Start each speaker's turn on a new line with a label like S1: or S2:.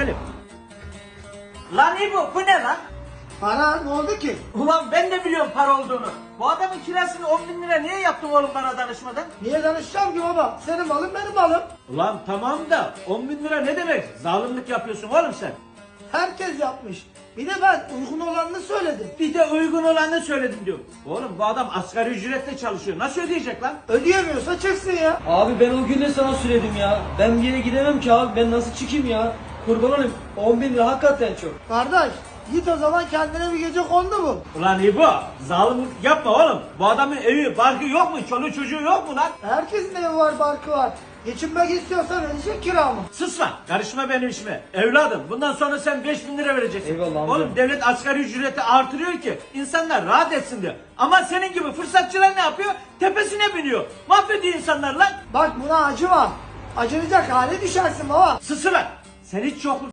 S1: gidelim. Lan İbo bu ne lan?
S2: Para ne oldu ki?
S1: Ulan ben de biliyorum para olduğunu. Bu adamın kirasını 10 bin lira niye yaptın oğlum bana danışmadan?
S2: Niye danışacağım ki baba? Senin malın benim malım.
S1: Ulan tamam da 10 bin lira ne demek? Zalimlik yapıyorsun oğlum sen.
S2: Herkes yapmış. Bir de ben uygun olanını söyledim.
S1: Bir de uygun olanı söyledim diyor. Oğlum bu adam asgari ücretle çalışıyor. Nasıl ödeyecek lan?
S2: Ödeyemiyorsa çıksın ya.
S3: Abi ben o gün de sana söyledim ya. Ben bir yere gidemem ki abi. Ben nasıl çıkayım ya? Kurban olayım. 10 bin lira hakikaten çok.
S2: Kardeş git o zaman kendine bir gece kondu bul.
S1: Ulan İbo zalimlik yapma oğlum. Bu adamın evi, barkı yok mu? Çoluğu çocuğu yok mu lan?
S2: Herkesin evi var, barkı var. Geçinmek istiyorsa verecek kiramı.
S1: Sus lan. Karışma benim işime. Evladım bundan sonra sen 5 bin lira vereceksin.
S3: Eyvallah amca.
S1: Oğlum devlet asgari ücreti artırıyor ki insanlar rahat etsin diye. Ama senin gibi fırsatçılar ne yapıyor? Tepesine biniyor. Mahvediyor insanlar lan.
S2: Bak buna acı var. Acınacak hale düşersin baba.
S1: Sus lan. Sen hiç yokluk